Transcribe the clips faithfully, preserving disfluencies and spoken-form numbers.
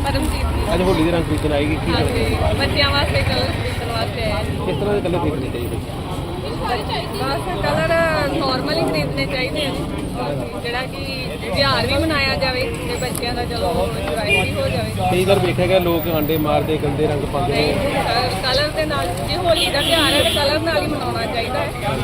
परमजीत ਅੱਜ ਹੋਲੀ ਦੇ ਰੰਗ ਖਰੀਦਣ ਆਏਗੀ ਕੀ हाँ जी बच्चों वास्ते कलर खरीदने वास्ते आए हैं। किस तरह के कलर खरीदने चाहिए? बस कलर नॉर्मल ही खरीदने चाहिए ਜਿਹੜਾ ਕਿ ਤਿਉਹਾਰ ਵੀ ਮਨਾਇਆ ਜਾਵੇ ਤੇ ਬੱਚਿਆਂ ਦਾ ਚਲੋ ਇੰਜੋਏ ਵੀ ਹੋ ਜਾਵੇ। ਕਈ ਵਾਰ ਵੇਖਿਆ ਗਿਆ ਲੋਕ ਆਂਡੇ ਮਾਰਦੇ ਗੰਦੇ ਰੰਗ ਪਾਉਂਦੇ ਨੇ। ਕਲਰ ਦੇ ਨਾਲ ਜੇ ਹੋਲੀ ਦਾ ਤਿਉਹਾਰ ਹੈ ਤਾਂ ਕਲਰ ਨਾਲ ਹੀ ਮਨਾਉਣਾ ਚਾਹੀਦਾ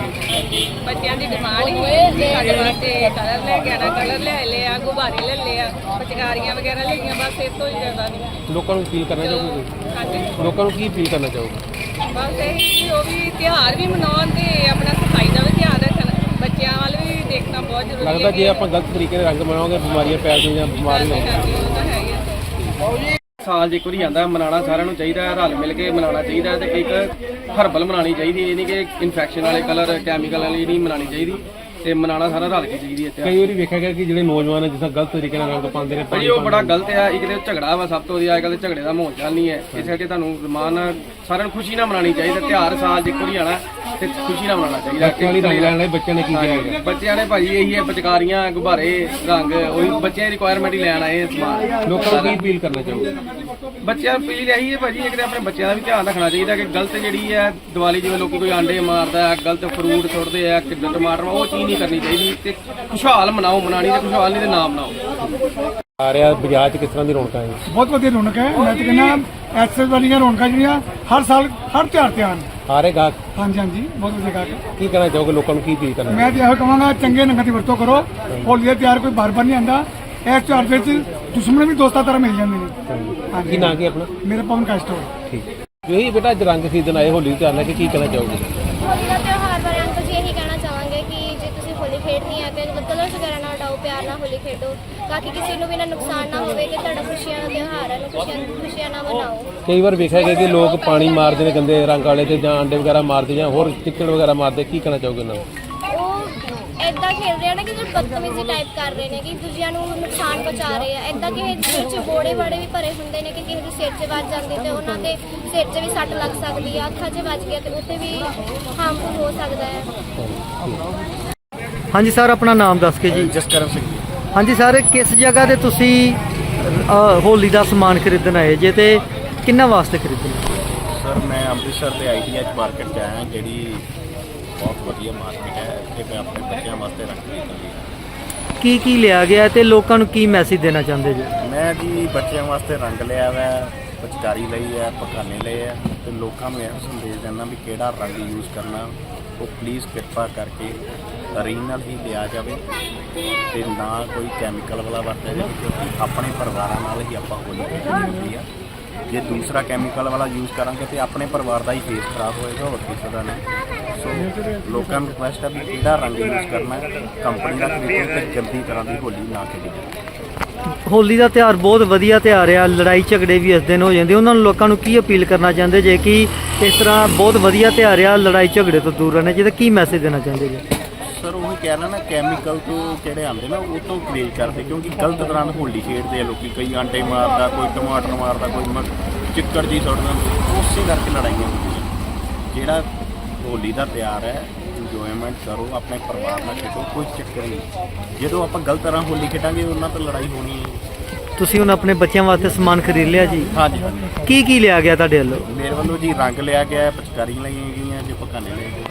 ਹੈ। ਬੱਚਿਆਂ ਦੀ ਡਿਮਾਂਡ ਹੀ ਸਾਡੇ ਵਾਸਤੇ ਕਲਰ ਲੈ ਕੇ ਆਣਾ, ਕਲਰ ਲੈ ਲਏ ਆ, ਗੁਬਾਰੇ ਲੈ ਲਏ ਆ, ਪਿਚਕਾਰੀਆਂ ਵਗੈਰਾ ਲਈਆਂ, ਬਸ ਇਸ ਤੋਂ ਹੀ ਜ਼ਿਆਦਾ ਨਹੀਂ। ਲੋਕਾਂ ਨੂੰ ਅਪੀਲ ਕਰਨਾ ਚਾਹੋਗੇ? ਹਾਂਜੀ ਲੋਕਾਂ ਨੂੰ ਕੀ ਅਪੀਲ ਕਰਨਾ ਚਾਹੋਗੇ? ਬਸ ਇਹ ਕਿ ਉਹ ਵੀ ਤਿਉਹਾਰ ਵੀ ਮਨਾਉਣ ਤੇ ਆਪਣਾ ਸਫਾਈ ਦਾ ਵੀ ਧਿਆਨ ਰੱਖਣ, ਬੱਚਿਆਂ ਵੱਲ ਵੀ ਦੇਖਣਾ ਬਹੁਤ ਜ਼ਰੂਰੀ ਹੈ। ਲੱਗਦਾ ਜੇ ਆਪਾਂ ਗਲਤ ਤਰੀਕੇ ਨਾਲ ਰੰਗ ਬਣਾਉਂਗੇ ਬਿਮਾਰੀਆਂ ਪੈਦਾ ਜਾਂ ਬਿਮਾਰ ਵੀ ਹਾਂਜੀ ਉਹ ਤਾਂ ਹੈ ਹੀ ਹੈ। ਸਾਲ 'ਚ ਇੱਕ ਵਾਰੀ ਆਉਂਦਾ, ਮਨਾਉਣਾ ਸਾਰਿਆਂ ਨੂੰ ਚਾਹੀਦਾ ਹੈ, ਰਲ ਮਿਲ ਕੇ ਮਨਾਉਣਾ ਚਾਹੀਦਾ ਤੇ ਇੱਕ ਹਰਬਲ ਮਨਾਉਣੀ ਚਾਹੀਦੀ, ਇਹ ਨਹੀਂ ਕਿ ਇਨਫੈਕਸ਼ਨ ਵਾਲੇ ਕਲਰ ਕੈਮੀਕਲ ਵਾਲੀ ਨਹੀਂ ਮਨਾਉਣੀ ਚਾਹੀਦੀ ਤੇ ਮਨਾਉਣਾ ਸਾਰਾ ਰਲ ਕੇ ਚਾਹੀਦੀ ਹੈ। ਕਈ ਵਾਰੀ ਵੇਖਿਆ ਗਿਆ ਕਿ ਜਿਹੜੇ ਨੌਜਵਾਨ ਜਿਸ ਤਰ੍ਹਾਂ ਗਲਤ ਤਰੀਕੇ ਨਾਲ ਰੰਗ ਪਾਉਂਦੇ ਨੇ ਭਾਜੀ ਉਹ ਬੜਾ ਗਲਤ ਹੈ। ਇੱਕ ਤੇ ਝਗੜਾ ਵਾ ਸਭ ਤੋਂ ਵਧੀਆ, ਅੱਜ ਕੱਲ੍ਹ ਤੇ ਝਗੜੇ ਦਾ ਮਾਹੌਲ ਚੱਲ ਨਹੀਂ ਹੈ। ਇਸ ਕਰਕੇ ਤੁਹਾਨੂੰ ਰਮਾਨ ਸਾਰਿਆਂ ਨੂੰ ਖੁਸ਼ੀ ਨਾਲ ਮਨਾਉਣੀ ਚਾਹੀਦੀ। ਤਿਉਹਾਰ ਸਾਲ 'ਚ ਇੱਕ ਵਾਰੀ ਆਉਣਾ ਤੇ ਖੁਸ਼ੀ ਨਾਲ ਮਨਾਉਣਾ ਚਾਹੀਦਾ। ਬੱਚਿਆਂ ਵਾਲੀ ਰੰਗ ਲੈਣ ਲਈ ਬੱਚਿਆਂ ਨੇ ਕੀ ਕਿਹਾ? ਬੱਚਿਆਂ ਨੇ ਭਾਜੀ ਇਹੀ ਹੈ, ਪਿਚਕਾਰੀਆਂ, ਗੁਬਾਰੇ, ਰੰਗ, ਉਹੀ ਬੱਚਿਆਂ ਦੀ ਰਿਕੁਆਇਰਮੈਂਟ ਹੀ ਲੈਣ ਆਏ ਸਮਾਨ। ਲੋਕਾਂ ਨੂੰ ਕੀ ਅਪੀਲ ਕਰਨਾ ਚਾਹੋਗੇ? ਬੱਚਿਆਂ ਨੂੰ ਅਪੀਲ ਇਹੀ ਹੈ ਭਾਜੀ, ਇੱਕ ਤੇ ਆਪਣੇ ਬੱਚਿਆਂ ਦਾ ਵੀ ਧਿਆਨ ਰੱਖਣਾ ਚਾਹੀਦਾ ਕਿ ਗਲਤ ਜਿਹੜੀ ਹੈ ਦੀਵਾਲੀ ਜਿਵੇਂ ਲੋਕੀ ਕੋਈ ਆਂਡੇ ਮਾਰਦਾ ਹੈ, ਗਲਤ ਫਰੂਟ ਸੁੱਟਦੇ ਆ, ਕਿੱਦਾਂ ਟਮਾਟਰ, ਉਹ ਚੀਜ਼ ਨਹੀਂ ਕਰਨੀ ਚਾਹੀਦੀ ਤੇ ਖੁਸ਼ਹਾਲ ਮਨਾਓ। ਮਨਾਣੀ ਤੇ ਖੁਸ਼ਹਾਲ ਨਹੀਂ ਤੇ ਨਾ ਮਨਾਓ। ਆ ਰਿਹਾ ਬਾਜ਼ਾਰ 'ਚ ਕਿਸ ਤਰ੍ਹਾਂ ਦੀ ਰੌਣਕਾਂ ਹੈ? ਬਹੁਤ ਵਧੀਆ ਰੌਣਕ ਹੈ। ਮੈਂ ਤਾਂ ਕਹਿੰਦਾ ਐਕਸੈਸ ਵਾਲੀਆਂ ਰੌਣਕਾਂ ਜਿਹੜੀਆਂ ਹਰ ਸਾਲ ਹਰ ਤਿਉਹਾਰ ਤੇ ਆਉਣ। ਆ ਰਹੇ ਗਾਹਕ ਹਾਂਜੀ ਹਾਂਜੀ ਬਹੁਤ ਵਧੀਆ ਗਾਹਕ ਹੈ। ਕੀ ਕਹਿਣਾ ਚਾਹੋਗੇ? ਲੋਕਾਂ ਨੂੰ ਕੀ ਅਪੀਲ ਕਰਨਾ? ਮੈਂ ਤਾਂ ਇਹੋ ਕਹਾਂਗਾ ਚੰਗੇ ਰੰਗਾਂ ਦੀ ਵਰਤੋਂ ਕਰੋ। ਹੋਲੀ ਦਾ ਤਿਉਹਾਰ ਕੋਈ ਬਾਰ ਬਾਰ ਨਹੀਂ ਆਉਂਦਾ। ਇਸ ਤਿਉਹਾਰ ਵਿੱਚ ਦੁਸ਼ਮਣ ਵੀ ਦੋਸਤਾਂ ਤਰ੍ਹਾਂ ਮਿਲ ਜਾਂਦੇ ਨੇ। ਕੀ ਨਾਂ ਕੀ ਆਪਣਾ? ਮੇਰਾ ਪਵਨ ਕਾਸਟੋ। ਠੀਕ ਜੀ ਬੇਟਾ, ਅੱਜ ਰੰਗ ਖਰੀਦਣ ਆਏ ਹੋਲੀ ਤੇ ਆਣਾ ਕਿ ਕੀ ਕਹਿਣਾ ਚਾਹੋਗੇ? ਹੋਲੀ ਦਾ ਤਿਉਹਾਰ ਬਾਰੇ ਅੰਕਲ ਜੀ ਇਹੀ ਕਹਿਣਾ ਚਾਹਾਂਗੇ ਕਿ ਜੇ ਤੁਸੀਂ ਹੋਲੀ ਖੇਡਣੀ ਹੈ ਤੇ ਕਲਰਸ ਵਗੈਰਾ ਨਾਲ ਉਡਾਓ, ਪਿਆਰ ਨਾਲ ਹੋਲੀ ਖੇਡੋ ਤਾਂ ਕਿ ਕਿਸੇ ਨੂੰ ਵੀ ਨਾ ਨੁਕਸਾਨ ਨਾ ਹੋਵੇ ਕਿ ਤੁਹਾਡਾ ਖੁਸ਼ੀਆਂ ਦਾ ਤਿਉਹਾਰ ਹੈ, ਖੁਸ਼ੀਆਂ ਖੁਸ਼ੀਆਂ ਨਾਲ ਮਨਾਓ। ਕਈ ਵਾਰ ਵੇਖਿਆ ਗਿਆ ਕਿ ਲੋਕ ਪਾਣੀ ਮਾਰਦੇ ਨੇ ਗੰਦੇ ਰੰਗ ਵਾਲੇ ਤੇ ਜਾਂ ਆਂਡੇ ਵਗੈਰਾ ਮਾਰਦੇ ਜਾਂ ਹੋਰ ਚਿੱਕੜ ਵਗੈਰਾ ਮਾਰਦੇ, ਕੀ ਕਹਿਣਾ ਚਾਹੋਗੇ ਉਹਨਾਂ ਨੂੰ? ਉਹ ਏਦਾਂ ਖੇਡ ਰਹੇ ਆ ਨਾ ਕਿ ਜੋ ਬਦਤਮੀਜ਼ੀ ਟਾਈਪ ਕਰ ਰਹੇ ਨੇ ਕਿ ਦੂਜਿਆਂ ਨੂੰ ਨੁਕਸਾਨ ਪਹੁੰਚਾ ਰਹੇ ਆ। ਏਦਾਂ ਕਿਸੇ ਦੇ ਸਿਰ 'ਚ ਬੋੜੇ ਬਾੜੇ ਵੀ ਭਰੇ ਹੁੰਦੇ ਨੇ ਕਿ ਕਿਸੇ ਦੇ ਸਿਰ 'ਚ ਵੱਜ ਜਾਂਦੀ ਤੇ ਉਹਨਾਂ ਦੇ ਸਿਰ 'ਚ ਵੀ ਸੱਟ ਲੱਗ ਸਕਦੀ ਆ, ਅੱਖਾਂ 'ਚ ਵੱਜ ਗਿਆ ਤੇ ਉੱਥੇ ਵੀ ਹਾਰਮਫੁਲ ਹੋ ਸਕਦਾ ਹੈ। ਹਾਂਜੀ ਸਰ, ਆਪਣਾ ਨਾਮ ਦੱਸ ਕੇ ਜੀ। ਜਸਕਰਨ ਸਿੰਘ। ਹਾਂਜੀ ਸਰ, ਕਿਸ ਜਗ੍ਹਾ ਤੇ ਤੁਸੀਂ ਅ, ਹੋਲੀ ਦਾ ਸਮਾਨ ਖਰੀਦਣ ਆਏ ਜੇ ਤੇ ਕਿੰਨਾ ਵਾਸਤੇ ਖਰੀਦਣਾ? ਸਰ ਮੈਂ ਅੰਮ੍ਰਿਤਸਰ ਦੇ ਆਈ ਟੀ ਐਚ ਮਾਰਕੀਟ 'ਚ ਆਇਆ, ਜਿਹੜੀ ਬਹੁਤ ਵਧੀਆ ਮਾਰਕੀਟ ਹੈ। ਇੱਥੇ ਮੈਂ ਆਪਣੇ ਬੱਚਿਆਂ ਵਾਸਤੇ ਰੰਗ ਖਰੀਦਣ ਲਈ। ਕੀ ਕੀ ਲਿਆ ਗਿਆ ਤੇ ਲੋਕਾਂ ਨੂੰ ਕੀ ਮੈਸੇਜ ਦੇਣਾ ਚਾਹੁੰਦੇ ਜੀ? ਮੈਂ ਜੀ ਬੱਚਿਆਂ ਵਾਸਤੇ ਰੰਗ ਲਿਆ ਵਾ, ਪਿਚਕਾਰੀ ਲਈ ਹੈ, ਪਖਾਨੇ ਲਏ ਹੈ ਤੇ ਲੋਕਾਂ ਨੂੰ ਇਹ ਸੰਦੇਸ਼ ਦੇਣਾ ਵੀ ਕਿਹੜਾ ਰੰਗ ਯੂਜ਼ ਕਰਨਾ ਉਹ ਪਲੀਜ਼ ਕਿਰਪਾ ਕਰਕੇ ਓਰੀਜਨਲ ਹੀ ਲਿਆ ਜਾਵੇ ਤੇ ਨਾ ਕੋਈ ਕੈਮੀਕਲ ਵਾਲਾ ਵਰਤਿਆ ਜਾਵੇ, ਕਿਉਂਕਿ ਆਪਣੇ ਪਰਿਵਾਰਾਂ ਨਾਲ ਹੀ ਆਪਾਂ ਹੋਲੀ ਖੇਡਣੀ ਹੁੰਦੀ ਆ। ਜੇ ਦੂਸਰਾ ਕੈਮੀਕਲ ਵਾਲਾ ਯੂਜ਼ ਕਰਾਂਗੇ ਤੇ ਆਪਣੇ ਪਰਿਵਾਰ ਦਾ ਹੀ ਫੇਸ ਖਰਾਬ ਹੋਏਗਾ, ਹੋਰ ਕਿਸੇ ਦਾ ਨਹੀਂ। ਸੋ ਲੋਕਾਂ ਨੂੰ ਰਿਕੁਐਸਟ ਹੈ ਵੀ ਕਿਹੜਾ ਰੰਗ ਯੂਜ਼ ਕਰਨਾ ਹੈ, ਕੰਪਨੀ ਦਾ ਖਰੀਦੋ ਤੇ ਗੰਦੀ ਤਰ੍ਹਾਂ ਦੀ ਹੋਲੀ ਨਾ ਖੇਡੋ। ਹੋਲੀ ਦਾ ਤਿਉਹਾਰ ਬਹੁਤ ਵਧੀਆ ਤਿਉਹਾਰ ਆ, ਲੜਾਈ ਝਗੜੇ ਵੀ ਇਸ ਦਿਨ ਹੋ ਜਾਂਦੇ। ਉਹਨਾਂ ਨੂੰ ਲੋਕਾਂ ਨੂੰ ਕੀ ਅਪੀਲ ਕਰਨਾ ਚਾਹੁੰਦੇ ਜੇ ਕਿ ਇਸ ਤਰ੍ਹਾਂ ਬਹੁਤ ਵਧੀਆ ਤਿਉਹਾਰ ਆ, ਲੜਾਈ ਝਗੜੇ ਤੋਂ ਦੂਰ ਰਹਿਣਾ ਚਾਹੀਦਾ, ਕੀ ਮੈਸੇਜ ਦੇਣਾ ਚਾਹੁੰਦੇ ਜੀ? ਸਰ ਉਹੀ ਕਹਿ ਰਿਹਾ ਨਾ, ਕੈਮੀਕਲ ਤੋਂ ਜਿਹੜੇ ਆਉਂਦੇ ਨਾ ਉਹ ਤੋਂ ਪਰਹੇਜ਼ ਕਰਦੇ, ਕਿਉਂਕਿ ਗਲਤ ਤਰ੍ਹਾਂ ਨਾਲ ਹੋਲੀ ਖੇਡਦੇ ਆ ਲੋਕੀ। ਕਈ ਆਂਡੇ ਮਾਰਦਾ, ਕੋਈ ਟਮਾਟਰ ਮਾਰਦਾ, ਕੋਈ ਮ ਚਿੱਕੜ ਜੀ ਸੁੱਟਦਾ, ਉਸੇ ਕਰਕੇ ਲੜਾਈਆਂ ਹੁੰਦੀਆਂ। ਜਿਹੜਾ ਹੋਲੀ ਦਾ ਤਿਉਹਾਰ ਹੈ ਇੰਜੋਏਮੈਂਟ ਕਰੋ, ਆਪਣੇ ਪਰਿਵਾਰ ਨਾਲ ਖੇਡੋ, ਕੋਈ ਚੱਕਰ ਨਹੀਂ। ਜਦੋਂ ਆਪਾਂ ਗਲਤ ਤਰ੍ਹਾਂ ਹੋਲੀ ਖੇਡਾਂਗੇ ਉਹਨਾਂ ਤੋਂ ਲੜਾਈ ਹੋਣੀ ਹੈ। ਤੁਸੀਂ ਹੁਣ ਆਪਣੇ ਬੱਚਿਆਂ ਵਾਸਤੇ ਸਮਾਨ ਖਰੀਦ ਲਿਆ ਜੀ? ਹਾਂਜੀ ਹਾਂਜੀ। ਕੀ ਕੀ ਲਿਆ ਗਿਆ ਤੁਹਾਡੇ ਵੱਲੋਂ? ਮੇਰੇ ਵੱਲੋਂ ਜੀ ਰੰਗ ਲਿਆ ਗਿਆ, ਪਿਚਕਾਰੀ ਲਈਆਂ ਗਈਆਂ, ਜੇ ਪਕਾਨੇ ਲਏ ਗਏ।